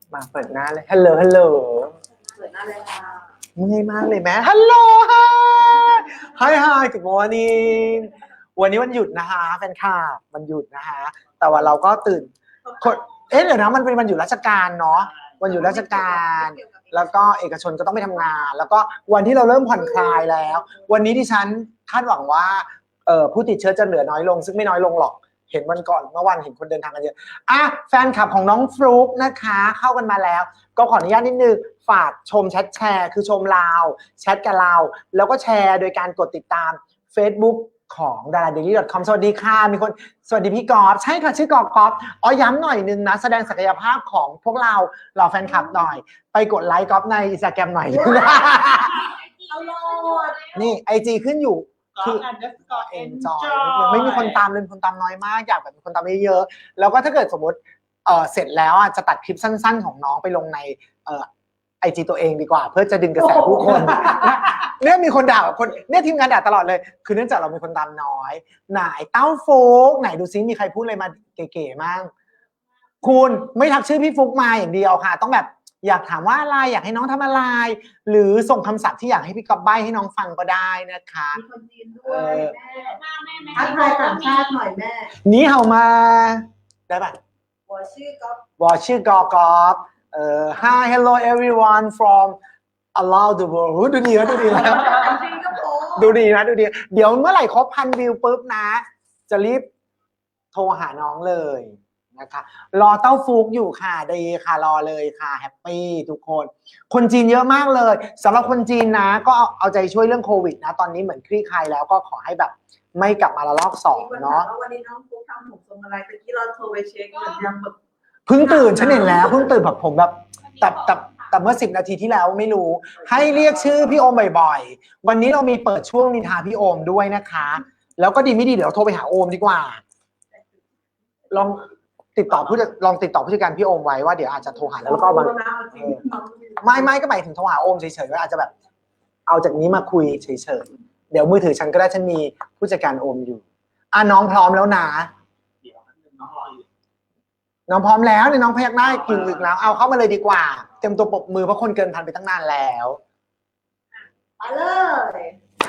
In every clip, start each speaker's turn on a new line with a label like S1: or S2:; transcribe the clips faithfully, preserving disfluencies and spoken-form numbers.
S1: มาเปิดหน้าเลยฮัลโหลฮัลโหล
S2: เปิดหน้าเลยค่ะ
S1: เมื่อยมากเลยแม่ฮัลโหลฮะ Hi Hi Good morning วันนี้วันหยุดนะคะแฟนคลับวันหยุดนะคะแต่ว่าเราก็ตื่นเอ๊ะเดี๋ยวนะมันเป็นวันหยุดราชการเนาะวันหยุดราชการแล้วก็เอกชนก็ต้องไปทำงานแล้วก็วันที่เราเริ่มผ่อนคลายแล้ววันนี้ดิฉันคาดหวังว่าเอ่อผู้ติดเชื้อจะเหลือน้อยลงซึ่งไม่น้อยลงหรอกเห็นวันก่อนเมื่อวันเห็นคนเดินทางกันเยอะอ่ะแฟนคลับของน้องฟลุ๊กนะคะเข้ากันมาแล้วก็ขออนุญาตนิดนึงฝากชมแชทแชร์คือชมเราแชทกับเราแล้วก็แชร์โดยการกดติดตาม Facebook ของ ดาราเดลี่ ดอท คอม สวัสดีค่ะมีคนสวัสดีพี่กอล์ฟใช่ค่ะชื่อกอล์ฟกอล์ฟอ๋อย้ำหน่อยนึงนะแสดงศักยภาพของพวกเราเหล่าแฟนคลับหน่อยไปกดไลค์กอล์ฟใน Instagram หน่อย
S2: เอาโหลด
S1: นี่ ไอ จี ขึ้นอยู่คือ enjoy ไม่มีคนตามเลยคนตามน้อยมากอยากแบบมีคนตามเยอะๆแล้วก็ถ้าเกิดสมมติเอ่อเสร็จแล้วอ่ะจะตัดคลิปสั้นๆของน้องไปลงในเอ่อ ไอ จี ตัวเองดีกว่าเพื่อจะดึงกระแสผู้คนเนี่ยมีคนด่าคนเนี่ยทีมงานด่าตลอดเลยคือเนื่องจากเรามีคนตามน้อยไหนเต้าฟุกไหนดูซิมีใครพูดอะไรมาเก๋ๆมั่งคุณไม่ทักชื่อพี่ฟุกมาอย่างเดียวค่ะต้องแบบอยากถามว่าอะไรอยากให้น้องทำอะไรหรือส่งคำศัพท์ที่อยากให้พี่ก๊อฟใบ้ให้น้องฟังก็ได้นะคะ
S2: มีคนจีนด้วยแม่ทักทายต่างชาติหน่อยแม่
S1: นี่เห่ามาได้ป่ะ
S2: วอชื่อก๊อฟ
S1: วอชื่อกอกอฟเอ่อ Hi hello everyone from around the world ดูดีนะดูดีแล้วดูดีนะดูดีเดี๋ยวเมื่อไหร่ครบพันวิวปุ๊บนะจะรีบโทรหาน้องเลยนะคะรอเต้าฟุกอยู่ค่ะดีค่ะรอเลยค่ะแฮปปี้ทุกคนคนจีนเยอะมากเลยสำหรับคนจีนนะก็เอาใจช่วยเรื่องโควิดนะตอนนี้เหมือนคลี่คลายแล้วก็ขอให้แบบไม่กลับมาระลอกสองเนาะ
S2: วันนี้น้องฟุกทำผมทรงอะไรเมื่อกี้เราโทรไปเช็คเหมือนยังแบบ
S1: เพิ่งตื่นฉันเห็นแล้วเพิ่งตื่นแบบผมแบบแต่แต่แต่เมื่อสิบนาทีที่แล้วไม่รู้ให้เรียกชื่อพี่โอมบ่อยๆวันนี้เรามีเปิดช่วงนินทาพี่โอมด้วยนะคะแล้วก็ดีไม่ดีเดี๋ยวโทรไปหาโอมดีกว่าลองติดต่อผู้ลองติดต่อผู้จัดการพี่โอมไว้ว่าเดี๋ยวอาจจะโทรหาแล้วก็มาไม่ไม่ก็หมายถึงโทรหาโอมเฉยๆว่าอาจจะแบบเอาจากนี้มาคุยเฉยๆเดี๋ยวมือถือฉันก็ได้ฉันมีผู้จัดการโอมอยู่อ่ะน้องพร้อมแล้วนะน้องพร้อมแล้วเนี่ยน้องพยักหน้ากินลึกแล้วเอาเข้ามาเลยดีกว่าเต็มตัวปรบมือเพราะคนเกินพันไปตั้งนานแล้ว
S2: ไปเลย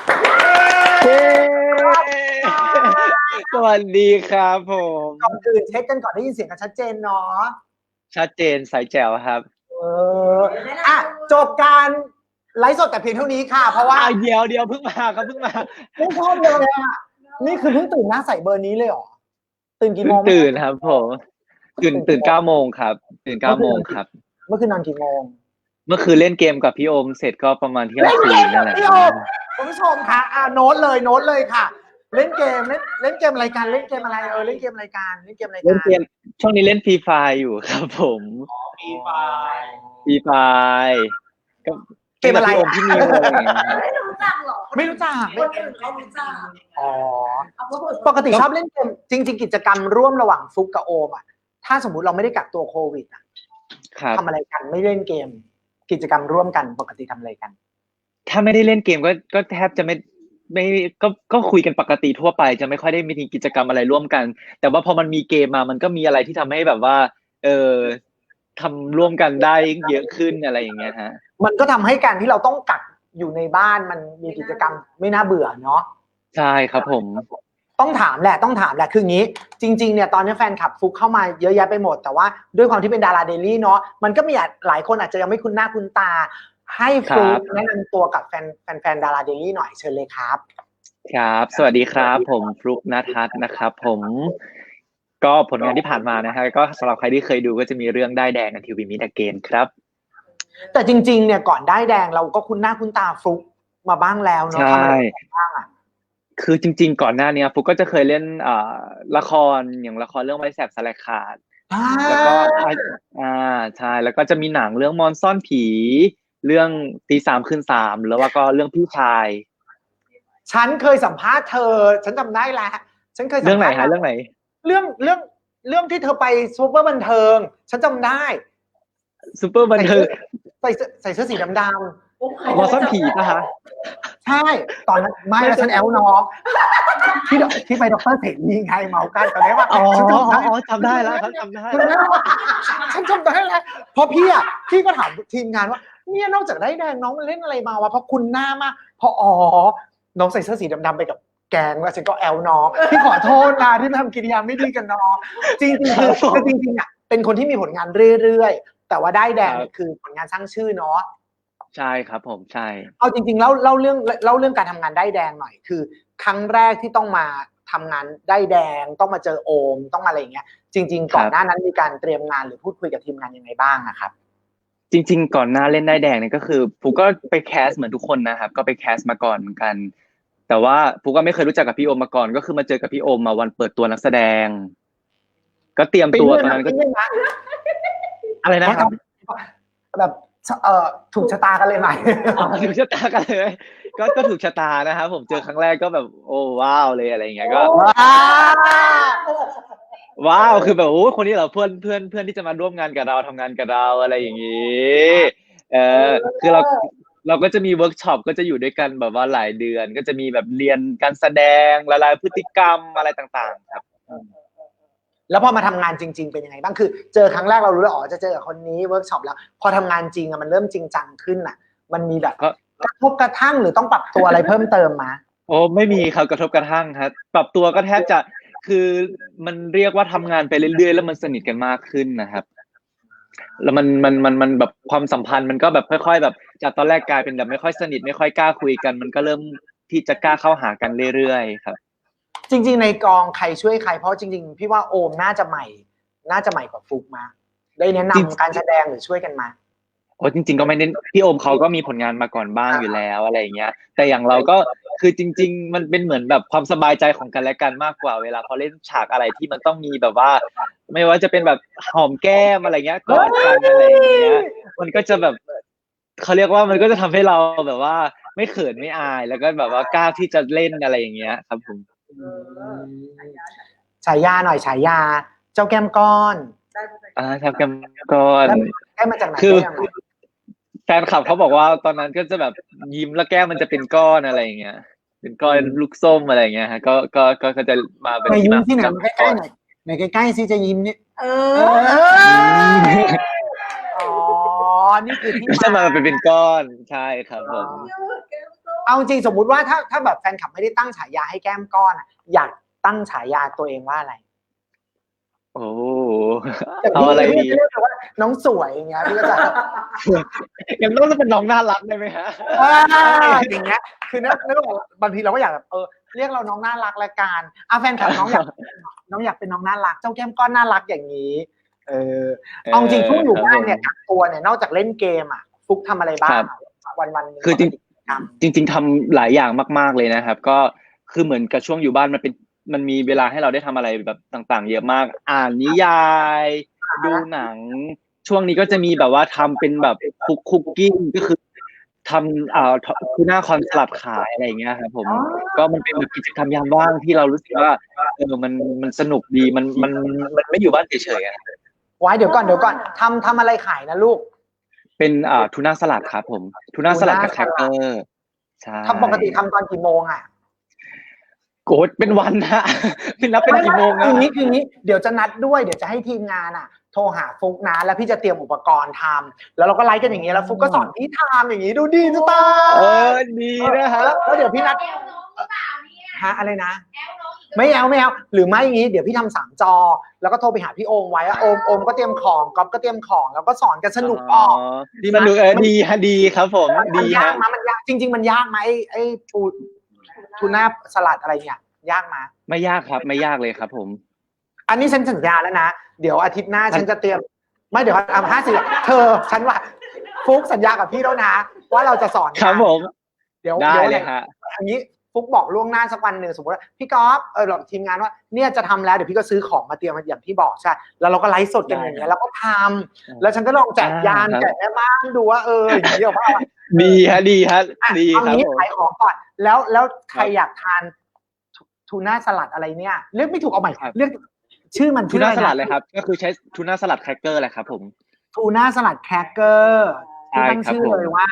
S3: สวัสดีครับผม
S1: ก่อนอื่นเช็คกันก่อนได้ยินเสียงกันชัดเจนเนาะ
S3: ชัดเจนสายแจ๋วครับ
S1: เอออ่ะจบการไลฟ์สดแต่เพียงเท่านี้ค่ะเพราะว่า
S3: เดี๋ยวเดี๋ยวเพิ่งมาครับเพิ่งมา
S1: ไม่ชอบเลยอ่ะนี่คือเพิ่งตื่นหน้าใสเบอร์นี้เลยเหรอตื่นกี่โมง
S3: ตื่นครับผมตื่นตื่นเก้าโมงครับตื่นเก้าโมงครับ
S1: เมื่อคืนนอนกี่โมง
S3: เมื่อคืนเล่นเกมกับพี่โอมเสร็จก็ประมาณเที่ยงคืนนั่นแหละ
S1: พี่โอมคุณผู้ชมคะอ่าโน้ตเลยโน้ตเลยค่ะเล่นเกมเล่นเล่นเกมอะไรกันเล่นเกมอะไรเออเล่นเกมอะไรกันเล่นเกมอะไรกัน
S3: เล่นเกมช่วงนี้เล่นฟรีไฟอยู่ครับผม
S1: ฟรีไฟ
S3: ฟรีไฟ
S1: ก็เกมอะไร
S3: พี่โอมพี่นิวอะไรอย่างเงี้ย
S2: ไม่รู้จักหรอ
S1: ไม่รู้จัก
S2: คนอื่นเขารู้จัก
S1: อ๋อปกติชอบเล่นเกมจริงๆกิจกรรมร่วมระหว่างฟุกกับโอมอ่ะถ้าสมมุติเราไม่ได้กักตัวโควิดอ่ะทำอะไรกันไม่เล่นเกมกิจกรรมร่วมกันปกติทำอะไรกัน
S3: ถ้าไม่ได้เล่นเกมก็ก็แทบจะไม่ไม่ก็ก็คุยกันปกติทั่วไปจะไม่ค่อยได้มีกิจกรรมอะไรร่วมกันแต่ว่าพอมันมีเกมมามันก็มีอะไรที่ทำให้แบบว่าเออทำร่วมกันได้เยอะขึ้นอะไรอย่างเงี้ยฮะ
S1: มันก็ทำให้การที่เราต้องกักอยู่ในบ้านมันมีกิจกรรมไม่น่าเบื่อเนาะ
S3: ใช่ครับผม
S1: ต้องถามแหละต้องถามแหละคืองี้จริงๆเนี่ยตอนนี้แฟนคลับฟุกเข้ามาเยอะแยะไปหมดแต่ว่าด้วยความที่เป็นดาราเดลี่เนาะมันก็มีหลายคนอาจจะยังไม่คุ้นหน้าคุ้นตาให้ฟุกแนะนำตัวกับแฟนแฟนดาราเดลี่หน่อยเชิญเลยครับ
S3: ครับสวัสดีครับผมฟลุ๊กณทัศน์นะครับผมก็ผลงานที่ผ่านมานะฮะก็สำหรับใครที่เคยดูก็จะมีเรื่องได้แดงในทีวีมิดเกนครับ
S1: แต่จริงๆเนี่ยก่อนได้แดงเราก็คุ้นหน้าคุ้นตาฟลุ๊กมาบ้างแล้วเนาะทำอะไรบ้างอ่ะ
S3: คือจริงๆก่อนหน้านี้ฟุกก็จะเคยเล่นอ่าละครอย่างละครเรื่องไว้แสบสลายขาดแล้วก็อ่าใช่แล้วก็จะมีหนังเรื่องมอนซ่อนผีเรื่องตีสามคืนสามแล้วก็เรื่องพี่ชาย
S1: ฉันเคยสัมภาษณ์เธอฉันจำได้แล้วฉันเคย
S3: เรื่องไหนฮะเรื่องไหน
S1: เรื่องเรื่องเรื่องที่เธอไปซูเปอร์บันเทิงฉันจำได้
S3: ซูเปอร์บันเทิง
S1: ใส่ใส่เสื้อสีดำ
S3: หมอซ่อนผีป่ะคะ
S1: ใช่ตอนนั้นไม่แล้วฉันแอลน้องที่ดที่ไปด็อกเตอร์เสรีไงเมากันตอนนี้ว่า
S3: อ๋อ
S1: ฉันจำได้
S3: อ๋อจำได้แล้วครับจำได้
S1: ฉันจำได้ฉันจำได้แล้วเพราะพี่อ่ะพี่ก็ถามทีมงานว่าเนี่ยนอกจากได้แดงน้องมันเล่นอะไรมาวะเพราะคุณหน้ามากพออ๋อน้องใส่เสื้อสีดำๆไปกับแกงแล้วฉันก็แอลน้องพี่ขอโทษนะที่ทำกิริยาไม่ดีกับน้องจริงๆคือคือจริงๆอ่ะเป็นคนที่มีผลงานเรื่อยๆแต่ว่าได้แดงคือผลงานสร้างชื่อเนาะ
S3: ใช่ครับผมใช่
S1: เอาจริงๆเล่าเล่าเรื่องเล่าเรื่องการทำงานได้แดงหน่อยคือครั้งแรกที่ต้องมาทำงานได้แดงต้องมาเจอโอมต้องมาอะไรอย่างเงี้ยจริงๆก่อนหน้านั้นมีการเตรียมงานหรือพูดคุยกับทีมงานยังไงบ้างนะครับ
S3: จริงๆก่อนหน้าเล่นได้แดงเนี่ยก็คือฟูก็ไปแคสเหมือนทุกคนนะครับก็ไปแคสมาก่อนเหมือนกันแต่ว่าฟูก็ไม่เคยรู้จักกับพี่โอมมาก่อนก็คือมาเจอกับพี่โอมมาวันเปิดตัวนักแสดงก็เตรียมตัวตอนนั้นก็อะไรนะครับ
S1: แบบเอ่อถูกชะตากันเลยไหม
S3: ถูกชะตากันเลยก็ก็ถูกชะตานะครับผมเจอครั้งแรกก็แบบโอ้ว้าวเลยอะไรอย่างเงี้ยก็ว้าวคือแบบโอ้คนนี้เหรอเพื่อนเพื่อนเพื่อนที่จะมาร่วมงานกับเราทำงานกับเราอะไรอย่างงี้เออคือเราเราก็จะมีเวิร์กช็อปก็จะอยู่ด้วยกันแบบว่าหลายเดือนก็จะมีแบบเรียนการแสดงละลายพฤติกรรมอะไรต่างๆครับ
S1: แล้วพอมาทำงานจริงๆเป็นยังไงบ้างคือเจอครั้งแรกเรารู้แล้วอ๋อจะเจอกับคนนี้เวิร์กช็อปแล้วพอทำงานจริงอะมันเริ่มจริงจังขึ้นอะมันมีแบบกระทบกระทั่งหรือต้องปรับตัวอะไรเพิ่มเติมมา
S3: โอ้ไม่มีครับกระทบกระทั่งครับปรับตัวก็แทบจะคือมันเรียกว่าทำงานไปเรื่อยๆแล้วมันสนิทกันมากขึ้นนะครับแล้วมันมันมันมันแบบความสัมพันธ์มันก็แบบค่อยๆแบบจากตอนแรกกลายเป็นแบบไม่ค่อยสนิทไม่ค่อยกล้าคุยกันมันก็เริ่มที่จะกล้าเข้าหากันเรื่อยๆครับ
S1: จริงๆในกองใครช่วยใครเพราะจริงๆพี่ว่าโอมน่าจะใหม่น่าจะใหม่กว่าฟุกมาได้แนะนำการแสดงหรือช่วยกันมา
S3: โอ้จริงๆก็ไม่ได้พี่โอมเขาก็มีผลงานมาก่อนบ้างอยู่แล้วอะไรอย่างเงี้ยแต่อย่างเราก็คือจริงๆมันเป็นเหมือนแบบความสบายใจของกันและกันมากกว่าเวลาพอเล่นฉากอะไรที่มันต้องมีแบบว่าไม่ว่าจะเป็นแบบหอมแก้มอะไรเงี้ยกอดกันอะไรอย่างเงี้ยมันก็จะแบบเขาเรียกว่ามันก็จะทำให้เราแบบว่าไม่เขินไม่อายแล้วก็แบบว่ากล้าที่จะเล่นอะไรอย่างเงี้ยครับผม
S1: ฉายาหน่อยฉายาเจ้าแก้มก้อน
S3: อ่าแทบแก้มก้อน
S1: ได้มาจากไหน
S3: คือแฟนคลับเขาบอกว่าตอนนั้นก็จะแบบยิ้มแล้วแก้มมันจะเป็นก้อนอะไรอย่างเงี้ยเป็นก้อนลูกส้มอะไรอย่างเงี้ยฮะก็ก็ก็ก็จะมาเป็น
S1: ที่มาที่ไหนใกล้ๆหน่อยไหนใกล้ๆซิจะยิ้มนี่เอออ๋อนี่คือที่
S3: จะมาเป็นเป็นก้อนใช่ครับผม
S1: เอาจริงสมมุติว่าถ้าถ้าแบบแฟนคลับไม่ได้ตั้งฉายาให้แก้มก้อนอ่ะอยากตั้งฉายาตัวเองว่าอะไร
S3: โอ้เอาอะไรดี
S1: น้องสวยอย่างเงี้ยพี่ก็จะ
S3: ยังต้องจะเป็นน้องน่ารักได้ไหมฮะ
S1: อย่างเงี้ยคือนึกนึกบางทีเราก็อยากแบบเออเรียกเราน้องน่ารักละกันอ่ะแฟนคลับน้องอยากน้องอยากเป็นน้องน่ารักเจ้าแก้มก้อนน่ารักอย่างนี้เออเอาจริงช่วงอยู่บ้านเนี่ยกักตัวเนี่ยนอกจากเล่นเกมอ่ะฟุกทำอะไรบ้างวันวันนึง
S3: คือจริงจริงจริงทำหลายอย่างมากๆเลยนะครับก็คือเหมือนกับช่วงอยู่บ้านมันเป็นมันมีเวลาให้เราได้ทำอะไรแบบต่างๆเยอะมากอ่านนิยายดูหนังช่วงนี้ก็จะมีแบบว่าทำเป็นแบบคุกคุกกิ้งก็คือทำอ่าคือหน้าคอนสลัดขายอะไรอย่างเงี้ยครับผมก็มันเป็นแบบกิจกรรมยามว่างที่เรารู้สึกว่าเออมันมันสนุกดีมันมันมันไม่อยู่บ้านเฉยๆอ่ะ
S1: ไว้เดี๋ยวก่อนเดี๋ยวก่อนทำทำอะไรขายนะลูก
S3: เป็นอ่าทูน่าสลัดครับผมทูน่าสลัดกับแครกเกอร์ใช่
S1: ทำปกติทำตอนกี่โมงอ่ะ
S3: โกรธเป็นวันนะพี่นับเป็นกี่โมงนะ
S1: คือนี้คือนี้เดี๋ยวจะนัดด้วยเดี๋ยวจะให้ทีมงานอ่ะโทรหาฟุกนะแล้วพี่จะเตรียมอุปกรณ์ทำแล้วเราก็ไลฟ์กันอย่างนี้แล้วฟุกก็สอนพี่ทำอย่างนี้ดูดีจะตาย
S3: เออดีนะฮะ
S1: แล้วเดี๋ยวพี่นัดฮะอะไรนะไม่เอาไม่เอาหรือไม่อย่างนี้เดี๋ยวพี่ทำสามจอแล้วก็โทรไปหาพี่โอมไว้โอมโอมก็เตรียมของก๊อฟก็เตรียมของแล้วก็สอนกันสนุกออก
S3: ดีสนุกเออดีฮะดีครับผมดีฮะ
S1: มันยากจริงๆมันยากไหมไอ้ปูทูน่าสลัดอะไรเนี่ยยากไหม
S3: ไม่ยากครับไม่ยากเลยครับผม
S1: อันนี้ฉันสัญญาแล้วนะเดี๋ยวอาทิตย์หน้าฉันจะเตรียมไม่เดี๋ยวอ่ะห้าสิบเธอฉันว่าฟุกสัญญากับพี่แล้วนะว่าเราจะสอน
S3: ครับผม
S1: เดี๋ยว
S3: ได้เลยฮะ
S1: อันนี้ฟุกบอกล่วงหน้าสักวันหนึ่งสมมติว่าพี่ก๊อฟเออเราทีมงานว่าเนี่ยจะทำแล้วเดี๋ยวพี่ก็ซื้อของมาเตรียมอย่างที่บอกใช่แล้วเราก็ไลฟ์สดกันอย่างเงี้ยแล้วก็ทำแล้วฉันก็ลองแจกยานแจกแม่บ้านดูว่าเอออย่างนี้หรอว่า
S3: ดีฮะดีฮะดีครับ
S1: เอางี้ขายของก่อนแล้วแล้วใครอยากทานทูน่าสลัดอะไรเนี่ยเรียกไม่ถูกเอาใหม่เรียกชื่อมัน
S3: ทูน่าสลัดเลยครับก็คือใช้ทูน่าสลัดแครกเกอร์แหละครับผม
S1: ทูน่าสลัดแครกเกอร์ที่ตั้งชื่อเลยว่า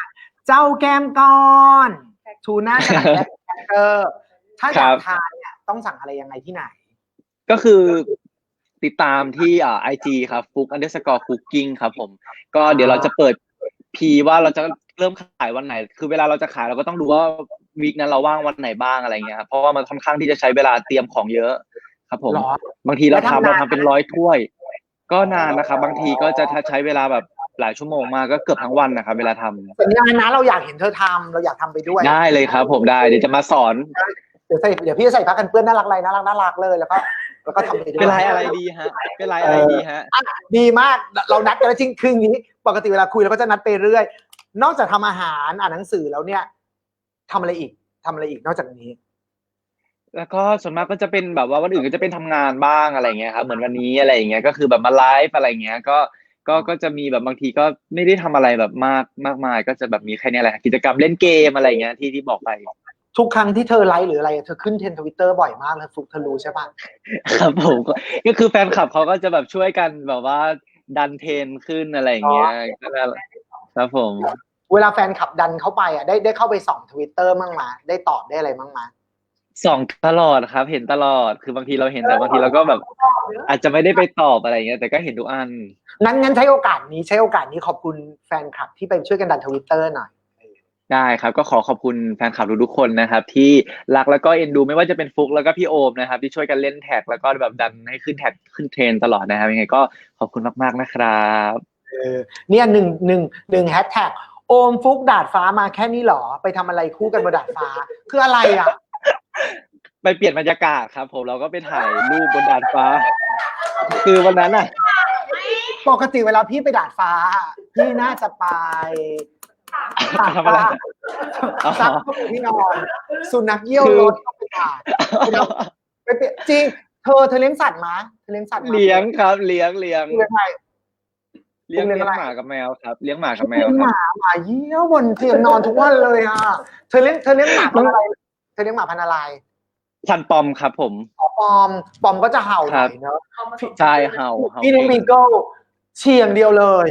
S1: เจ้าแก้มก้อนทูน่าสลัดและแครกเกอร์ถ้าอยากทานเนี่ยต้องสั่งอะไรยังไงที่ไหน
S3: ก็คือติดตามที่อ่าไอจีครับฟุก underscore cooking ครับผมก็เดี๋ยวเราจะเปิดพีว่าเราจะเริ่มขายวันไหนคือเวลาเราจะขายเราก็ต้องดูว่าวีคนั้นเราว่างวันไหนบ้างอะไรเงี้ยครับเพราะว่ามันค่อนข้างที่จะใช้เวลาเตรียมของเยอะครับผมบางทีเราทำเราทำเป็นร้อยถ้วยก็นานนะครับบางทีก็จะใช้เวลาแบบหลายชั่วโมงมากก็เกือบทั้งวันนะครับเวลาทำ
S1: สัญญาณนะเราอยากเห็นเธอทำเราอยากทำไปด้วย
S3: ได้เลยครับผมได้เดี๋ยวจะมาสอน
S1: เดี๋ยวใส่เดี๋ยวพี่จะใส่ผ้ากันเปื้อนน่ารักอะไรน่ารักน่ารักเลยแล้วก็แล้วก็ทำไปด้วย
S3: เป็นลายอะไรดีฮะเป็นลายอะไรดีฮะ
S1: ดีมากเรานัดกันแล้วจริงคืออย่างนี้ปกติเวลาคุยเราก็จะนัดไปเรื่อยนอกจากทำอาหารอ่านหนังสือแล้วเนี่ยทำอะไรอีกทำอะไรอีกนอกจากนี้
S3: แล้วก็ส่วนมากก็จะเป็นแบบว่าวันอื่นก็จะเป็นทำงานบ้างอะไรเงี้ยครับเหมือนวันนี้อะไรอย่างเงี้ยก็คือแบบมาไลฟ์อะไรเงี้ยก็ก็ก็จะมีแบบบางทีก็ไม่ได้ทำอะไรแบบมากมากมายก็จะแบบมีแค่นี้แหละกิจกรรมเล่นเกมอะไรเงี้ยที่ที่บอกไป
S1: ทุกครั้งที่เธอไลฟ์หรืออะไรเธอขึ้นเทรนด์ Twitter บ่อยมากเลยฟุกเธอรู้ใช่ป่ะ
S3: ครับผมก็คือแฟนคลับเขาก็จะแบบช่วยกันแบบว่าดันเทรนขึ้นอะไรอย่างเงี้ยก็ครับผม
S1: เวลาแฟนคลับดันเข้าไปอ่ะได้ได้เข้าไปส่อง Twitter มั่งมาได้ตอบได้อะไรมั่งมา
S3: ส่องตลอดครับเห็นตลอดคือบางทีเราเห็นแต่บางทีเราก็แบบอาจจะไม่ได้ไปตอบอะไรเงี้ยแต่ก็เห็นทุกอัน
S1: งั้นงั้นใช้โอกาสนี้ใช้โอกาสนี้ขอบคุณแฟนคลับที่ไปช่วยกันดัน Twitter หน่อย
S3: ได้ครับก็ขอขอบคุณแฟนคลับทุกๆคนนะครับที่รักแล้วก็เอ็นดูไม่ว่าจะเป็นฟุกแล้วก็พี่โอมนะครับที่ช่วยกันเล่นแท็กแล้วก็แบบดันให้ขึ้นแท็กขึ้นเทรนตลอดนะครับยังไงก็ขอบคุณมากๆนะครับ
S1: เออเนี่ยหนึ่งหนึ่งหนึ่งแฮชแท็กโอมฟุกดาดฟ้ามาแค่นี้หรอไปทำอะไรคู่กันบนดาดฟ้าคืออะไรอ่ะ
S3: ไปเปลี่ยนบรรยากาศครับผมเราก็ไปถ่ายรูปบนดาดฟ้าคือวันนั้นอ่ะ
S1: ปกติเวลาพี่ไปดาดฟ้าพี่น่าจะไป
S3: ทำอะไร
S1: ซักผ้าปูที่นอนสุนัขเยี่ยวรถต้องไปถ่ายไปเปลี่ยนจริงเธอเธอเลี้ยงสัตว์มั้ยเธอเลี้ยงสัตว์
S3: เลี้ยงครับเลี้ยงเลี้ยง
S1: เลี้ยงอะไร
S3: เลี้ยงเลี้ยงหมากับแมวครับเลี้ยงหมากับแมว
S1: ครับหมาหมาเยี่ยวบนเตียงนอนทุกวันเลยอ่ะเธอเลี้ยงเธอเลี้ยงหมาพันธุ์อะไรเธอเลี้ยงหมาพันธุ์อะไร
S3: พันปอมครับผม
S1: ปอมปอมก็จะเห่าหน่อยเนอะ
S3: ใช่เห่า
S1: พี่เลี้ยงบีเกิลเฉี่ยงเดียวเลย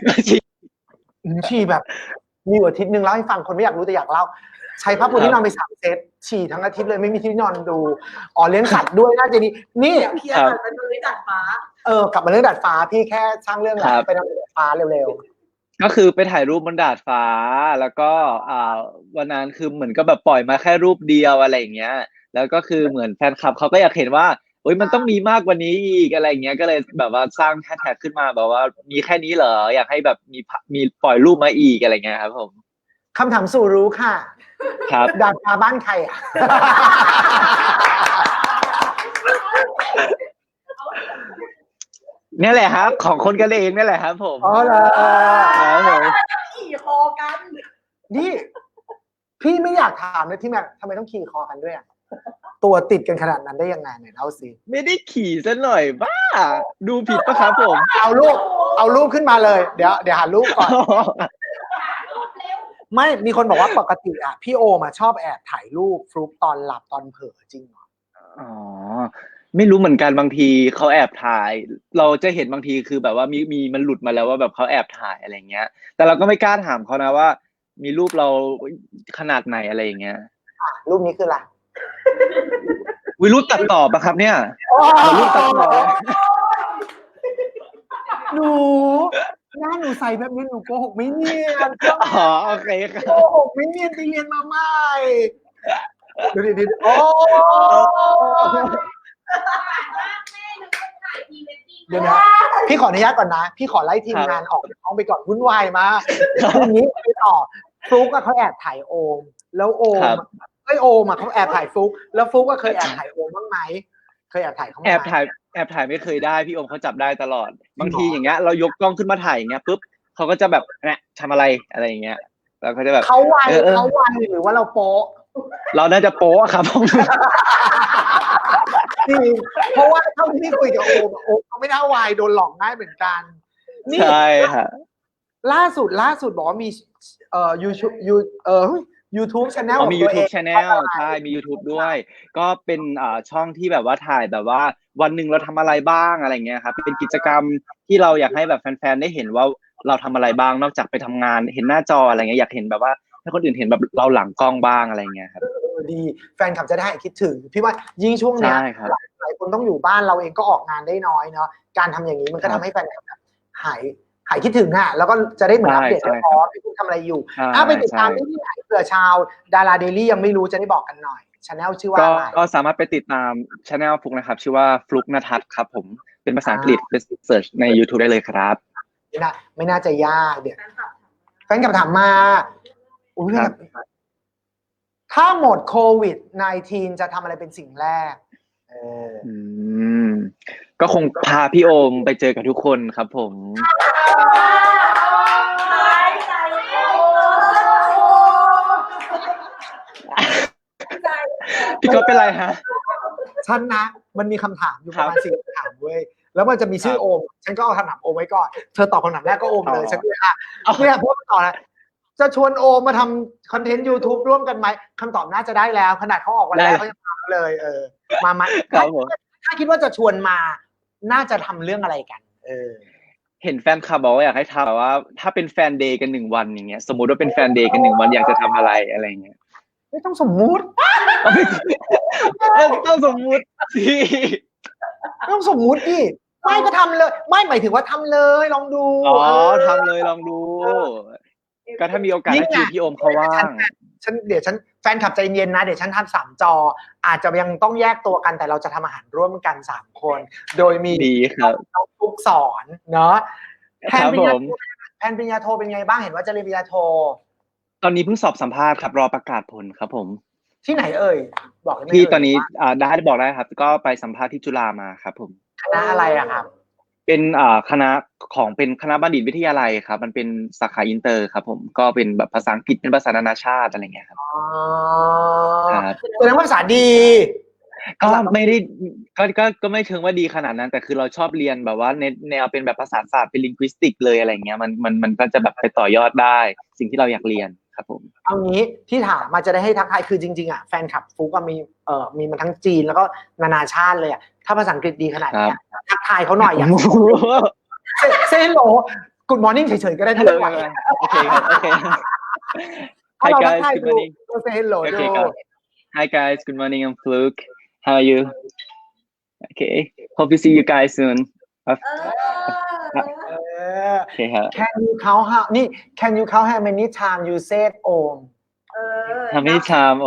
S1: ฉี่แบบมีอาทิตย์นึงเล่าให้ฟังคนไม่อยากรู้แต่อยากเล่าใช้ผ้าปูที่นอนไปสามเซตฉี่ทั้งอาทิตย์เลยไม่มีที่นอนดูอ๋อเลี้ยงสัตว์ด้วยน่าจะดีนี่
S2: เคลียร์กันเป็นเรื่องดาดฟ้า
S1: เออกลับมาเรื่องดาดฟ้าพี่แค่สร้างเรื่องอะไรไปทำดาดฟ้าเร็ว
S3: ๆก็คือไปถ่ายรูปบนดาดฟ้าแล้วก็อ่าวันนั้นคือเหมือนก็แบบปล่อยมาแค่รูปเดียวอะไรอย่างเงี้ยแล้วก็คือเหมือนแฟนคลับเขาก็อยากเห็นว่าโอ๊ยมันต้องมีมากกว่านี้อีกอะไรเงี้ยก็เลยแบบว่าสร้างแฮชแท็กขึ้นมาแบบว่ามีแค่นี้เหรออยากให้แบบมีมีปล่อยรูปมาอีกอะไรเงี้ยครับผม
S1: คำถามสู่รู้ค่ะ
S3: ครับ
S1: ดาดฟ้าบ้านใครอ่ะ
S3: นี่แหละครับของคนกันเองนี่แหละครับผม
S1: อ๋อเหรอ
S2: ครับผมขี่คอกัน
S1: นี่พี่ไม่อยากถามเลยที่แม่ทำไมต้องขี่คอกันด้วยอ่ะตัวติดกันขนาดนั้นได้ยังไงไหนเล่าสิ
S3: ไม่ได้ขี่ซะหน่อยบ้าดูผิดปะครับผม
S1: เอารูปเอารูปขึ้นมาเลยเดี๋ยวเดี๋ยวหารูปก่อนไม่มีคนบอกว่าปกติอ่ะพี่โอมาชอบแอบถ่ายรูปฟลุกตอนหลับตอนเผลอจริงเหรอ
S3: อ๋อไม่รู้เหมือนกันบางทีเขาแอบถ่ายเราจะเห็นบางทีคือแบบว่ามีมีมันหลุดมาแล้วว่าแบบเขาแอบถ่ายอะไรเงี้ยแต่เราก็ไม่กล้าถามเขานะว่ามีรูปเราขนาดไหนอะไรอย่างเงี้ย
S1: รูปนี้คืออะไร
S3: วิรูปตัดต่อปะครับเนี่ยรูปตัดต่อ
S1: หนูหน้าหนูใส่แบบนี้หนูโกหกไม่เนียน
S3: อ๋อโอเคครับ
S1: โกหกไม่เนียนไปเรียนมาใหม่ดูดิโอ้เดี๋ยวนะพี่ขออนุญาตก่อนนะพี่ขอไล่ทีมงานออกห้องไปก่อนวุ่นวายมากทีนี้ไปต่อฟลุ๊กเขาแอบถ่ายโอมแล้วโอมไอโอมอ่ะเขาแอบถ่ายฟลุ๊กแล้วฟลุ๊กก็เคยแอบถ่ายโอมบ้างไหมเคยแอบถ่ายเขาไหม
S3: แอบถ่ายแอบถ่ายไม่เคยได้พี่โอมเขาจับได้ตลอดบางทีอย่างเงี้ยเรายกกล้องขึ้นมาถ่ายอย่างเงี้ยปุ๊บเขาก็จะแบบเนี่ยทำอะไรอะไรอย่างเงี้ยแล้วเขาจะแบบ
S1: เขาวันเขาวันหรือว่าเราโป๊ะ
S3: เราน่าจะโป๊ะครับผม
S1: จริงเพราะว่าเท่าที่คุยกับโอมโอมเขาไม่น่าวายโดนหลอกง่ายเหมือนกัน
S3: ใช่ค่ะ
S1: ล่าสุดล่าสุดบอกว่ามีเอ่อยูทูบยูเอ่อ YouTube Channel
S3: มี YouTube Channel ใช่มี YouTube ด้วยก็เป็นอ่าช่องที่แบบว่าถ่ายแบบว่าวันหนึ่งเราทำอะไรบ้างอะไรเงี้ยครับเป็นกิจกรรมที่เราอยากให้แบบแฟนๆได้เห็นว่าเราทำอะไรบ้างนอกจากไปทำงานเห็นหน้าจออะไรเงี้ยอยากเห็นแบบว่าให้คนอื่นเห็นแบบเราหลังกล้องบ้างอะไรเงี้ยครับ
S1: เออดีแฟนคลับจะได้คิดถึงพี่ว่ายิ่งช่วงเนี้ย
S3: ใช่ครับ
S1: หลายหลายคนต้องอยู่บ้านเราเองก็ออกงานได้น้อยเนาะการทำอย่างนี้มันก็
S3: ครั
S1: ทำ
S3: บ
S1: ให้แฟนคลับแบบหายหายคิดถึงอ่ะแล้วก็จะได้เหมือน
S3: ใช่
S1: อัปเดต
S3: ใช่
S1: ว่าอ๋อพี่คุณทำอะไรอยู่
S3: ใช่
S1: ถ้าไปติดตาม
S3: ใช่
S1: ได้ที่ไหนเผื่อชาวดาราเดลี่ยังไม่รู้จะได้บอกกันหน่อยชาแนลชื่อว่า
S3: ก็
S1: อะไร
S3: ก็สามารถไปติดตามช anel ฟลุกนะครับ ชื่อว่าฟลุกณทัศน์ครับผมเป็นภาษาอังกฤษไปเสิร์ชใน YouTube ได้เลยครับ
S1: ไม่น่าไม่น่าจะยากเดี๋ยว
S2: แฟนคลับ
S1: แฟนคลับถามมาอุ้ย
S3: ครับ
S1: ถ้าหมดโควิด สิบเก้า จะทำอะไรเป็นสิ่งแรกเออ
S3: อืมก็คงพาพี่โอมไปเจอกับทุกคนครับผม พี่ก็เป็นไรฮะ
S1: ฉันนะมันมีคำถามอยู่
S3: ค
S1: ป
S3: รับ
S1: ระมาณสี่คำถามเว้ยแล้วมันจะมีชื่อ
S3: ครับ
S1: โอม ฉันก็เอาคำถามโอมไว้ก่อนเธอตอบคำถามแรกก็โอมเลย
S3: อ๋อ
S1: ฉันก็เลยอ่ะ
S3: เอา
S1: เนี่ยพูดต่อนะจะชวนโอมมาทำคอนเทนต์ YouTube ร่วมกันไหมคำตอบน่าจะได้แล้ว ขนาดเขาออกวันแรกเขายังมาเลยเออมาไหม
S3: ครับผม
S1: ถ้าคิดว่าจะชวนมาน่าจะทำเรื่องอะไรกันเออ
S3: เห็นแฟนคลับบอกว่าอยากให้ทำแบบว่าถ้าเป็นแฟนเดย์กันหนึ่งวันอย่างเงี้ยสมมุติว่าเป็นแฟนเดย์กันหนึ่งวันอยากจะทำอะไรอะไรเงี้ย
S1: ไม่ต้องสมมุติ
S3: ต้องสมมุติสิ
S1: ไม่ต้องสมมุติดิไม่ก็ทำเลย ไม่หมายถึงว่าทำเลยลองดู
S3: อ๋อ
S1: เออ
S3: ทำเลยลองดู ก็ถ้ามีโอกาส
S1: นี่
S3: ให้
S1: ไง
S3: คิวพี่โอมเขาว่าง
S1: ฉันเดี๋ยวฉันแฟนคลับใจเย็นนะ เดี๋ยวฉันทำสามจอ อาจจะยังต้องแยกตัวกันแต่เราจะทำอาหารร่วมกันสามคน โดยมี
S3: ดีครับ
S1: น้องฟุกสอนเนาะแพ
S3: คน รับ
S1: ปริญ
S3: ผ
S1: ญาม โทแพนปริญญาโทเป็นไงบ้างเห็นว่าจะเรียนปริญญาโท
S3: ตอนนี้เพิ่งสอบสัมภาษณ์ครับรอประกาศผลครับผม
S1: ที่ไหนเอ่ยบอกได้ไหม
S3: ที่
S1: เย
S3: ตอนนี้
S1: ว่า
S3: อ่าได้บอกได้ครับ ก็ไปสัมภาษณ์ที่จุฬามาครับผม
S1: คณะอะไรอะครับ
S3: เป็นอ่าคณะของเป็นคณะบัณฑิตวิทยาลัยครับ มันเป็นสาขาอินเตอร์ครับผมก็เป็นแบบภาษาอังกฤษเป็นภาษานานาชาติอะไรเงี้ยครับ
S1: อ๋อ
S3: ครับ
S1: แสดงว่าภาษาดี
S3: ก็ไม่ได้ก็ก็ก็ไม่เชิงว่าดีขนาดนั้น แต่คือเราชอบเรียนแบบว่าในแนวเป็นแบบภาษาศาสตร์เป็นลิงควิสติกเลยอะไรเงี้ยมันมันมันก็จะแบบไปต่อยอดได้ สิ่งที่เราอยากเรียนครับผม
S1: เอางี้ที่ถามมาจะได้ให้ทักทายคือจริงๆอ่ะแฟนคลับฟุกก็มีเอ่อมีมาทั้งจีนแล้วก็นานาชาติเลยอ่ะถ้าภาษาอังกฤษดีขนาดเนี้ยทักทายเขาหน่อยอยากเซนโหลกูดมอร์นิ่งเฉยๆก็ได้ถ้า
S3: เล
S1: ไม่
S3: ย
S1: ไหว
S3: โอเคครับโอเค
S1: ถ้า
S3: Hi
S1: เราทัก
S3: guys
S1: ทาย
S3: good
S1: ดู
S3: morning
S1: เซนโหล
S3: โอ
S1: ดู
S3: เคครับ Hi guys good morning I'm Fluke how are you okay hope to see you guys soon
S2: เออ
S1: เออ
S3: โอเคครับ
S1: Can you count how นี่ Can you count how many time you said Om
S2: เออ
S3: ทำให้ชามโอ้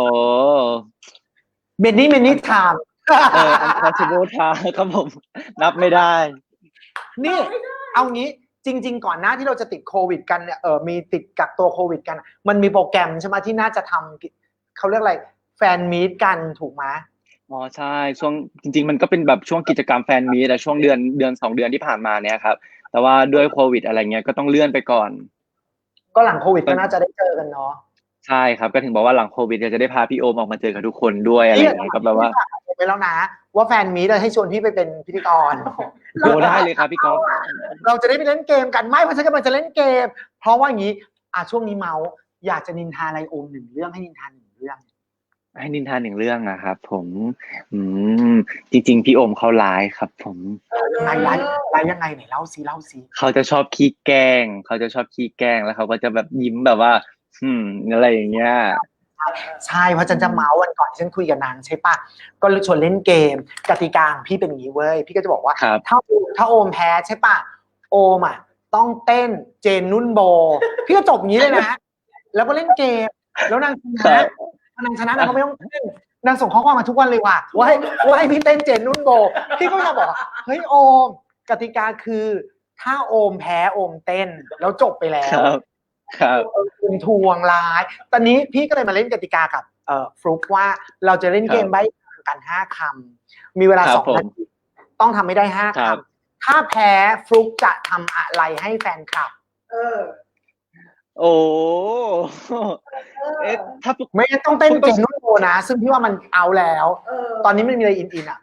S1: many many time
S3: เออ untouchable ทางครับผมนับไม่ได้
S1: นี่เอางี้จริง ๆ ก่อนหน้าที่เราจะติดโควิดกันเนี่ยเออมีติดกักตัวโควิดกัน มันมีโปรแกรมใช่ไหมที่น่าจะทำเขาเรียกอะไรแฟนมีตกันถูกไหม
S3: อ๋อใช่ช่วงจริงๆมันก็เป็นแบบช่วงกิจกรรมแฟนมีตแต่ช่วงเดือนเดือนสองเดือนที่ผ่านมาเนี่ยครับแต่ว่าด้วยโควิดอะไรเงี้ยก็ต้องเลื่อนไปก่อน
S1: ก็หลังโควิดก็น่าจะได้เจอกันเนาะ
S3: ใช่ครับก็ถึงบอกว่าหลังโควิดจะได้พาพี่โอมออกมาเจอกับทุกคนด้วยอะไรอย่างเงี้ยก็แบบว่า
S1: ไปแล้วนะ ว่าแฟนมีตให้ชวนพี่ไปเป็นพิธีกร
S3: โอ้ได้เลยครับพี่ก๊อฟ
S1: เราจะได้ไปเล่นเกมกันไม่เพราะฉันกำลังจะเล่นเกม เพราะว่าอย่างนี้อ่ะช่วงนี้เมาส์อยากจะนินทาอะไรโอมหนึ่งเรื่องให้นินทาหนึ่งเรื่อง
S3: ให้นินทาหนึ่งเรื่องนะครับผมอืมจริงๆพี่โอมเขาร้ายครับ ผม
S1: ไลน์ไลน์ไลน์ยังไงไหนเล่าซิเล่าซิ
S3: เขาจะชอบขี้แกล้งเขาจะชอบขี้แกล้งแล้วเขาก็จะแบบยิ้มแบบว่า อืมอะไรอย่างเงี้ย
S1: ใช่เพราะฉันจะเมาส์วันก่อนที่ฉันคุยกับนางใช่ปะก็ชวนเล่นเกมกติกาของพี่เป็นอย่างนี้เว้ยพี่ก็จะบอกว่า
S3: ครับ
S1: ถ้าถ้าโอมแพ้ใช่ปะโอมอ่ะต้องเต้นเจนนุ่นโบ พี่ก็จบอย่างนี้เลยนะ แล้วก็เล่นเกมแล้วนางช
S3: ครั
S1: นะ
S3: บ
S1: นางชนะนางก็ไม่ต้องเต้นนางส่งข้อความมาทุกวันเลยว่ะว่าให้ว่าให้พี่เต้นเจนนุ่นโบ พี่ก็จะบอกว่าเฮ้ยโอมกติกาคือถ้าโอมแพ้โอมเต้นแล้วจบไปแล้
S3: คว รับครับ
S1: คุณทวงร้าย ตอนนี้พี่ก็เลยมาเล่นกติกากับเอ่อฟลุกว่าเราจะเล่นเกมใบ้คำกันห้าคำมีเวลา
S3: ครับ
S1: สอง
S3: ผม
S1: นาทีต้องทำให้ได้ห้า
S3: ครั
S1: ค
S3: บ
S1: ำถ้าแพ้ฟลุกจะทำอะไรให้แฟนคลับ
S2: เออ
S3: โอ้
S2: เออ
S3: เอ๊ะถ้า
S1: ไม่งั้นต้องเต้น
S3: ฟลุ๊กต้
S1: เจ
S3: อง
S1: นนุ่นโบนะ ซึ่งพี่ว่ามันเอาแล้ว
S2: เออ
S1: ตอนนี้มันมีอะไรอินอินๆอ่ะ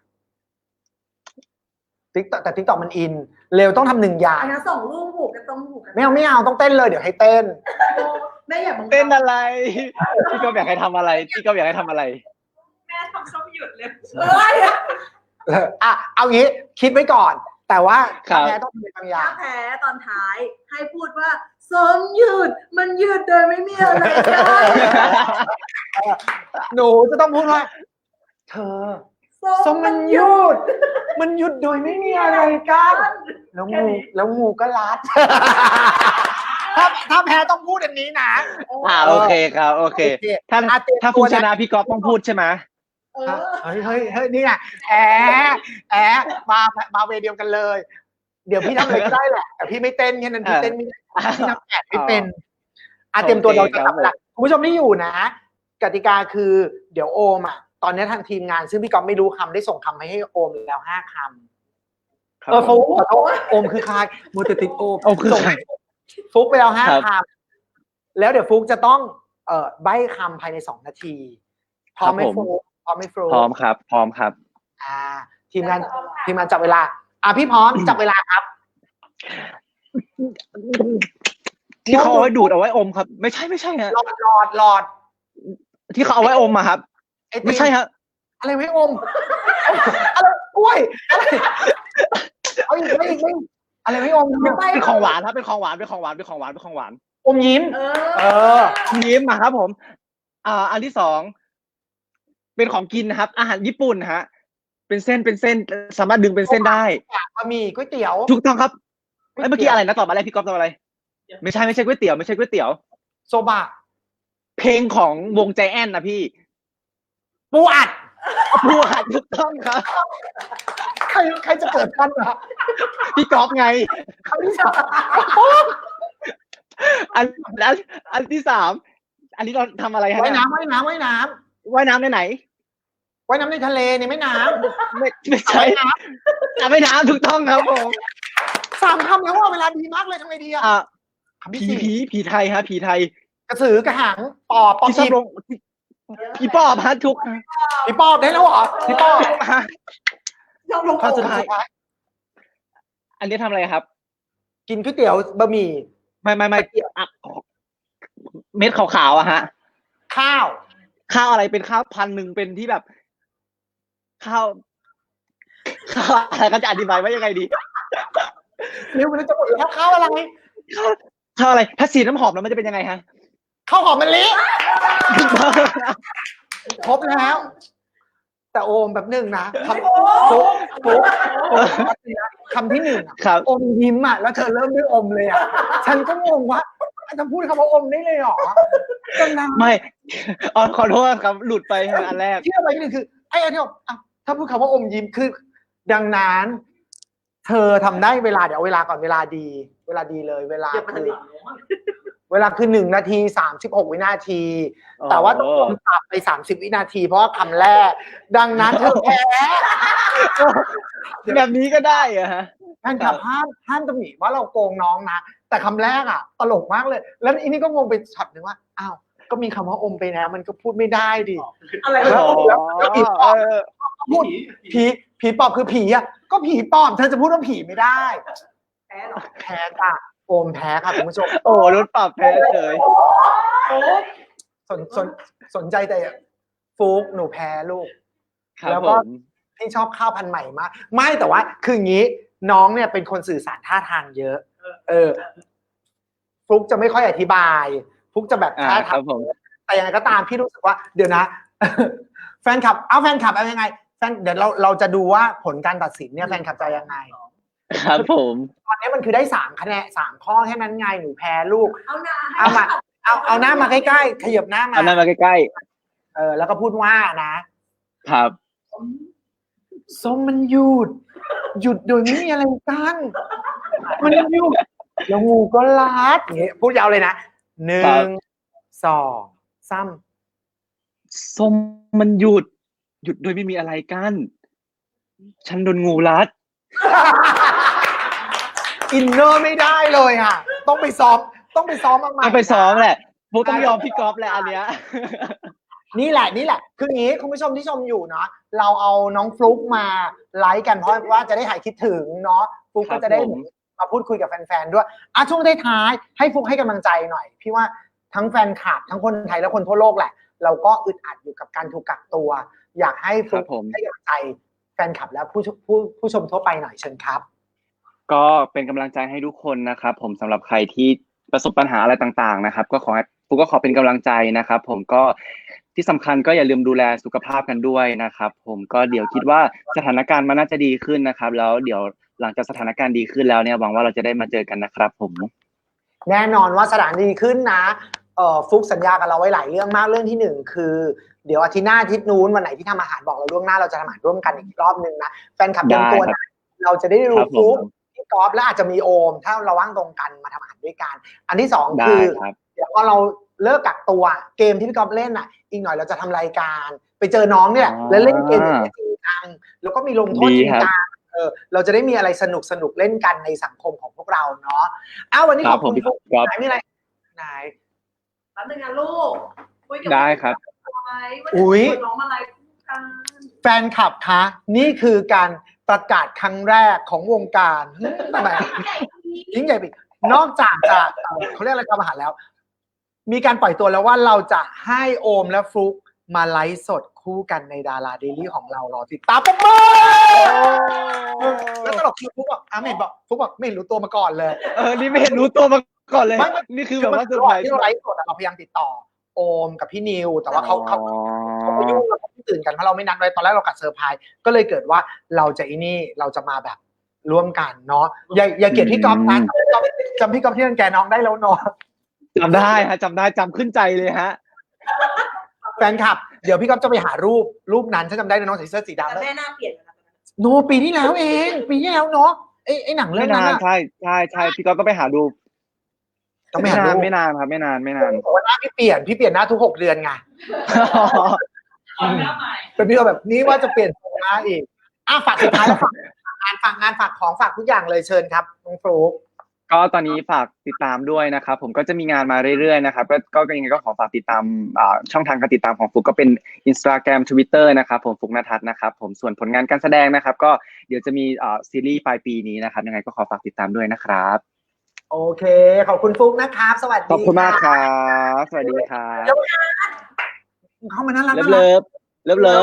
S1: ติ๊กแต่ติ๊กต็อกมันอิน เร็วต้องทำหนึ่งอย่าง
S2: อันนั้นส่งรูปผูกกันตรงผูกกัน
S1: ไม่เอาไม่เอาต้องเต้นเลยเดี๋ยวให้เต้น
S2: แม่อย่าบังคับ
S3: เต้นอะไร พี่ก็อยากให้ทำอะไร พี่ก็อยากให้ทำอะไร
S2: แม่ทำเขาไม่หยุดเลยเอ้ย
S1: เอออ่ะเอางี้คิดไว้ก่อน แต่ว่า
S3: ครั
S1: ถ้า
S3: บ
S1: แพ้ต้องทำบางอย่า
S2: ถ้าง แพ้ตอนท้ายให้พูดว่าส้มหยุดมันหยุดโดยไม่มีอะไรกัน
S1: หนูจะต้องพูดว่าเธอส้มมันหยุด มันหยุดโดยไม่มีอะไรกันแล้วงูแล้วงูก็รัด ถ้าถ้าแพ้ต้องพูดอันนี้นะ
S3: อ่าโอเคครับโอเค ถ้า
S1: อ่ะเตรียม
S3: ถ้า
S1: ตั
S3: ฟุ
S1: ว
S3: กชนะพี่ก๊อฟต้องพูดใช่ไหม
S2: เออ
S1: เฮ้ยเฮ้ยเฮ้ยนี่ไงแอะแอะมามาเวย์เดียวกันเลย เดี๋ยวพี่ทำอะไรก็ได้แหละแต่พี่ไม่เต้นแค่นั้นพี่เต้นไม่ได้พี่ทำแอบไม่เป็นอ่ะเตรียมตัวเราจะจับเวลาคุณผู้ชมที่อยู่นะ กติกาคือเดี๋ยวโอมอ่ะตอนนี้ทางทีมงานซึ่งพี่ก๊อฟไม่รู้คำได้ส่งคำไปให้โอมแล้วห้าคำเออฟุกขอโทษโอมคือใครมูตติดโอม
S3: โอมคือใคร
S1: ฟุกไปแล้วห้า
S3: ครับ
S1: คำแล้วเดี๋ยวฟุกจะต้องเอ่อใบ้คำภายในสองนาทีพร้อมไหม
S3: ครับผม
S1: ฟุกพร้อมไหมฟุก
S3: พร้อมครับ พร้อมครับ
S1: อ่าทีมงานทีมงานจับเวลาอ่ะพี่พร้อม จับเวลาครับ
S3: ที่เขาเอาไว้ดูดเอาไว้อมครับ ไม่ใช่ไม่ใช่ฮะ
S1: หลอดหลอดหลอด
S3: ที่เขาเอาไว้อมอะครับ
S1: ไอติ
S3: ไม่ใช่ฮะ
S1: อะไรไม่อมอะไรกล้วยอะไรเอาอีกไม่อีกไม่อีกอะไรไม่อม
S3: เป็นของหวานครับเป็นของหวานเป็นของหวานเป็นของหวานเป็นของหวาน
S1: อมยิ้ม
S2: เอ
S1: เอ
S2: อ
S1: อ
S3: ยิ้มมาครับผม อ่า อันที่สองเป็นของกินนะครับ อาหารญี่ปุ่นฮะ เป็นเส้นเป็นเส้นสามารถดึงเป็นเส้นได้
S1: บะหมี่ก๋วยเตี๋ยว
S3: ถูกต้องครับเอ้ยเมื่อกี้อะไรนะตอบมาอะไรพี่ก๊อฟตอบอะไร ไม่ใช่ไม่ใช่ก๋วยเตี๋ยวไม่ใช่ก๋วยเตี๋ยว
S1: โซบะ
S3: เพลงของวงใจแอนนะพี่
S1: ปูอัด
S3: พูดถูกต้องครับ
S1: ใครใครจะเกิดทันอะ
S3: พี่ก๊อฟไง
S1: คำที่สาม
S3: อันอันอันที่สามอันนี้เราทำอะไรฮะ
S1: ว่ายน้ำว่ายน้ำว่ายน้
S3: ว่ายน้ำในไหน
S1: ำว่ายน้ำในทะเลในแม่น้
S3: ไม่ไม่
S1: ำ
S3: ใช่
S1: ว่ายน้
S3: อ่ะไม่น้ำถูกต้องครับผม
S1: ำสามคำแล้วว่าเวลาดีมากเลยทำไงดีอะ
S3: อ่ะ
S1: คำ
S3: ผี
S1: ที่สี่
S3: ผีผีไทยฮะผีไทย
S1: กระสือกระหังปอบปอบ
S3: ที่ชอบ
S1: ผี
S3: ลงผีปอบฮะทุก
S1: ผีปอบได้แล้วเหรอผีปอบ
S3: ฮะ
S2: ยอมลง
S1: ข้อ
S2: โอ่
S1: สุด
S2: ง
S1: ท้าย
S3: อันนี้ทำอะไรครับ
S1: กินก๋วยเตี๋ยวบะหมี่
S3: ไม่ไม่ไม่อ่ะเม็ดขาวๆอะฮะ
S1: ข้าว
S3: ข้าวอะไรเป็นข้าวพันธุ์หนึ่งเป็นที่แบบ ข้าวข้าวอะไรก็จะอธิบายว่ายังไงดี
S1: เร็วมันจะหมดแล้วข้าวอะไร
S3: ข้าวข้าวอะไร ถ้าสีน้ำหอมแล้วมันจะเป็นยังไงฮะ
S1: ข้าวหอมมะลิครบแล้ว แต่โอมแบบหนึ่งนะคำปุ๊บปุ๊บคำที่หนึ่งอะ
S3: ครับ
S1: อมยิ้มอ่ะแล้วเธอเริ่มด้วยอมเลยอ่ะฉันก็งงว่าจะพูดคำว่าอมได้เลยเหรอจังนะ
S3: ไม่อ๋อขอโทษครับ หลุดไปอันแรก
S1: ที่อะไรนี่คือไอ้อันที่บอกอ่ะถ้าพูดคำว่าอมยิ้มคือ ดังนั้น เธอทำได้เวลาเดี๋ยวเอาเวลาก่อนเวลาดี เวลาดีเลย เวลา
S2: เดี๋ยวมัน
S1: คื
S2: จะ
S1: อ
S2: ดี
S1: เวลาคือหนึ่งนาทีสามสิบหกวินาที
S3: อ๋อ
S1: แต่ว่าต้องรวมตับไปสามสิบวินาที เพราะว่าคำแรก ดังนั้นเธอแพ้
S3: แบบนี้ก็ได้เหรอะฮะ
S1: แฟนคลับห้ามห้ามตำหนิว่าเราโกงน้องนะ แต่คำแรกอ่ะ ตลกมากเลย แล้วอันนี้ก็งงไปช็อตหนึ่งว่าอ้าวก็มีคำว่าอมไปแล้วมันก็พูดไม่ได้ดิ
S2: อะไร
S1: แล้
S2: วะ
S1: วแล้วแล้วผีปอบ
S3: เออ
S1: พูดผีผีปอบคือผีอ่ะก็ผีปอบเธอจะพูดว่าผีไม่ได้
S2: แพ้หรอ
S1: แพ้จ้ะโอมแพ้ค่ะคุณผู้ชม
S3: โอ้รถปรับแพ้เลย
S2: โอ้
S1: สนสนสนใจแต่ฟุกหนูแพ้ลูก
S3: ครับ
S1: แล้ว
S3: ผ
S1: ก็
S3: ม
S1: ที่ชอบข้าวพันธุ์ใหม่มาก ไม่แต่ว่าคืออย่างนี้ น้องเนี่ยเป็นคนสื่อสารท่าทางเยอะ เออฟลุกจะไม่ค่อยอธิบายฟลุกจะแบบ
S3: อ่า
S1: ท่า
S3: ค
S1: ทา
S3: รั
S1: ง
S3: บผม
S1: แต่ยังไงก็ตามพี่รู้สึกว่า เดี๋ยวนะ แฟนคลับเอาแฟนคลับเอายังไงแฟนเดี๋ยวเราเราจะดูว่าผลการตัดสินเนี่ยแฟนคลับจะยังไง
S3: ครับผม
S1: ตอนนี้มันคือได้สามคะแนนสามข้อแค่นั้นไงหนูแพ้ลูก
S2: เอาหน้า
S1: เอามาเอาเอาหน้ามาใกล้ๆขยับหน้ามา
S3: เอาหน้ามาใกล้
S1: เออแล้วก็พูดว่านะ
S3: ๆครับ
S1: ส้มมันหยุด หยุดโดยไม่มีอะไรกันมันหยุดแล้วงูก็ลัดอย่างเงี้ยพูดยาวเลยนะหนึ่
S3: ครั
S1: ง
S3: บ
S1: สองสาม
S3: ส้มมันหยุด หยุดโดยไม่มีอะไรกั้นฉันโดนงูรัด
S1: อินเนอร์ไม่ได้เลยอ่ะ ต้องไปซ้อม ต้องไปซ้อมมาใหม่
S3: ต้องไปซ้อมแหละพวกต้องยอมพี่ก๊อฟแหละอันเนี้ย
S1: นี่แหละนี่แหละ คืออย่างนี้คุณผู้ชมที่ชมอยู่เนาะเราเอาน้องฟลุ๊กมาไลฟ์กันเพราะว่าจะได้หายคิดถึงเนาะฟลุ๊ก
S3: ครั
S1: ก็
S3: บ
S1: จะได้
S3: ผม
S1: มาพูดคุยกับแฟนๆด้วยอ่ะช่วงท้ายๆให้ฟลุ๊กให้กำลังใจหน่อย พี่ว่าทั้งแฟนคลับทั้งคนไทยและคนทั่วโลกแหละ เราก็อึดอัดอยู่กับการถูกกักตัว อยากให้ฟลุ๊ก
S3: ครับผม
S1: ให้กำลังใจแฟนคลับและผู้ผู้ผู้ชมทั่วไปหน่อยเชิญครับ
S3: ก็เป็นกำลังใจให้ทุกคนนะครับผมสำหรับใครที่ประสบปัญหาอะไรต่างๆนะครับก็ขอให้ฟุกก็ขอเป็นกำลังใจนะครับผมก็ที่สำคัญก็อย่าลืมดูแลสุขภาพกันด้วยนะครับผมก็เดี๋ยวคิดว่าสถานการณ์มันน่าจะดีขึ้นนะครับแล้วเดี๋ยวหลังจากสถานการณ์ดีขึ้นแล้วเนี่ยหวังว่าเราจะได้มาเจอกันนะครับผม
S1: แน่นอนว่าสถานดีขึ้นนะเอ่อฟุกสัญญากับเราไว้หลายเรื่องมากเรื่องที่หนึ่งคือเดี๋ยวอาทิตย์หน้าอาทิตย์นู้นวันไหนที่ทำอาหารบอกเราล่วงหน้าเราจะทำอาหารร่วมกันอีกรอบนึงนะแฟนคลับเตรียมตัวนะเราจะได้รู้ฟุกพี่กอล์ฟและอาจจะมีโอมถ้าเราว่างตรงกันมาทำอาหารด้วยกันอันที่สองคือเดี๋ยวพอเราเลิกกักตัวเกมที่พี่กอล์ฟเล่นอ่ะอีกหน่อยเราจะทำรายการไปเจอน้องเนี่ยแล้วเล่นเกมจริงจังแล้วก็มีลงโทษจริงจังเออเราจะได้มีอะไรสนุกสนุกเล่นกันในสังคมของพวกเราเนาะอ้าววันนี้ขอบคุณฟุกไหนมีอะไรไหน
S2: แป๊บนึงนะลูก
S3: ได้ครับ
S1: อุ้ย
S2: น้องมาไลฟ์กัน
S1: แฟนคลับคะนี่คือการประกาศครั้งแรกของวงการทำไมยิ่งใหญ่ไปนอกจากจะเขาเรียกอะไรทำอาหารแล้ว มีการปล่อยตัวแล้วว่าเราจะให้โอมและฟลุกมาไลฟ์สดคู่กันในดาราเดลี่ของเรารอติดตามปุ๊บมือแล้วตลกคือฟลุกบอกอ้าไม่เห็นบอกฟลุกบอกไม่เห็นรู้ตัวมาก่อนเลย
S3: เออนี่ไม่เห็นรู้ตัวมาก่อนเลยนี่คือแบบว่าเซอร์ไพรส์
S1: ที่เราไลฟ์สดเราพยายามติดต่อโอมกับพี่นิวแต่ว่าเขาเขาเขาไปยุ่งเราไม่ตื่นกันเพราะเราไม่นัดไว้ตอนแรกเรากัดเซอร์ไพรส์ก็เลยเกิดว่าเราจะอีนี่เราจะมาแบบร่วมกันเนาะอย่าอย่าเกลียดพี่ก๊อฟนะจำพี่ก๊อฟที่รังแกน้องได้แล้วเนาะ
S3: จำได้ฮะจำได้จำขึ้นใจเลยฮะ
S1: แฟนคลับเดี๋ยวพี่ก๊อฟจะไปหารูปรูปนั้นฉันจำได้น้องใส่เสื้อสีดำแล้ว
S2: แม่หน้าเปลี่ยนแล้ว
S1: โนปีที่แล้วเองปีที่แล้วเนาะไอ้ไอ้หนังเรื่องนั้น
S3: ใช่ใช่ใช่พี่ก๊อฟต้องไปหาดู
S1: ต้องไปหาดู
S3: ไม่นานครับไม่นานไม่นาน
S1: วันหน้าพี่เปลี่ยนพี่เปลี่ยนหน้าทุกหกเดือนไงเป็นพี่แบบนี้ว่าจะเปลี่ยนหน้าอีกอ่ะฝากสุดท้ายแล้วฝากงานฝากงานฝากของฝากทุกอย่างเลยเชิญครับน้องฟลุ๊ก
S3: ก็ตอนนี้ฝากติดตามด้วยนะครับผมก็จะมีงานมาเรื่อยๆนะครับก็ก็ยังไงก็ขอฝากติดตามช่องทางการติดตามของฟลุ๊กก็เป็น Instagram Twitter นะครับผมฟลุ๊กณทัศน์นะครับผมส่วนผลงานการแสดงนะครับก็เดี๋ยวจะมีซีรีส์ปลายปีนี้นะครับยังไงก็ขอฝากติดตามด้วยนะครับ
S1: โอเคขอบคุณฟลุ๊กนะครับสวัสดี
S3: ขอบคุณมากครับสวัสดีครับ
S1: เข้ามาน่ารัก
S3: เลิฟเลิฟเลิฟ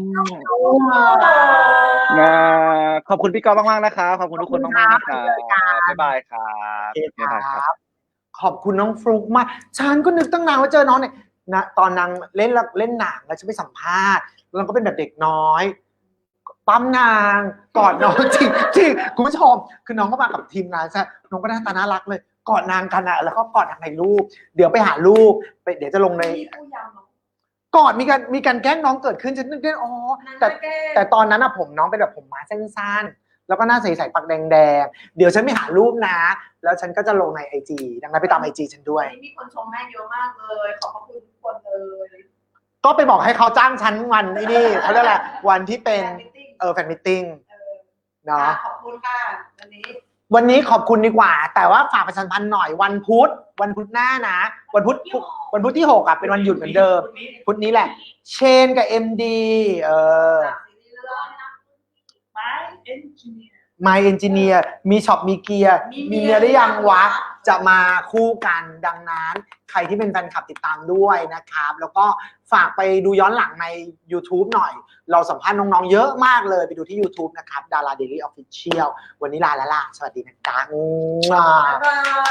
S3: นะขอบคุณพี่ก๊อฟมากๆนะครับขอบคุณทุกคนมากๆนะครับบ๊ายบายครับบ๊ายบายครับ
S1: ขอบคุณน้องฟลุ๊กมากฉันก็นึกตั้งนานว่าเจอน้องเนี่ยนะตอนนางเล่นเล่นหนังแล้วฉันไปสัมภาษณ์แล้วก็เป็นแบบเด็กน้อยปั๊มนางกอดน้องจริงจริงคุณผู้ชมคือน้องก็มากับทีมงานใช่น้องก็หน้าตาน่ารักเลยกอดนางกันอะแล้วก็กอดทางในรูปเดี๋ยวไปหารูปไปเดี๋ยวจะลงในกอดมีการมีการแกล้งน้องเกิดขึ้นฉันนึกได้อ๋อแต่แต่ตอนนั้นอะผมน้องเป็นแบบผมม้าสั้นๆแล้วก็หน้าใสๆปากแดงๆเดี๋ยวฉันไปหารูปนะแล้วฉันก็จะลงในไอจีดังนั้นไปตามไอจีฉันด้วย
S2: มีคนชมแม่เยอะมากเลยขอบคุณทุกคนเลย
S1: ก็ไปบอกให้เขาจ้างฉันวันนี้นี่เขาเรียกอะไรวันที่เป็นเออแฟนมิทติ้งเนาะ
S2: ขอบคุณค่ะวันนี้
S1: วันนี้ขอบคุณดีกว่าแต่ว่าฝากประชาสัมพันธ์หน่อยวันพุธวันพุธหน้านะวันพุธวันพุธที่หกอ่ะเป็นวันหยุดเหมือนเดิมพุธนี้แหละเชนกับ เอ็ม ดี เออ My Engineer มีช็อปมีเกียร์มีเมียได้ยังวะจะมาคู่กันดังนั้นใครที่เป็นแฟนคลับติดตามด้วยนะครับแล้วก็ฝากไปดูย้อนหลังใน YouTube หน่อยเราสัมภาษณ์น้องๆเยอะมากเลยไปดูที่ YouTube นะครับ Dara Daily Official วันนี้ลาแล้วล่ะสวัสดีนะจ๊ะ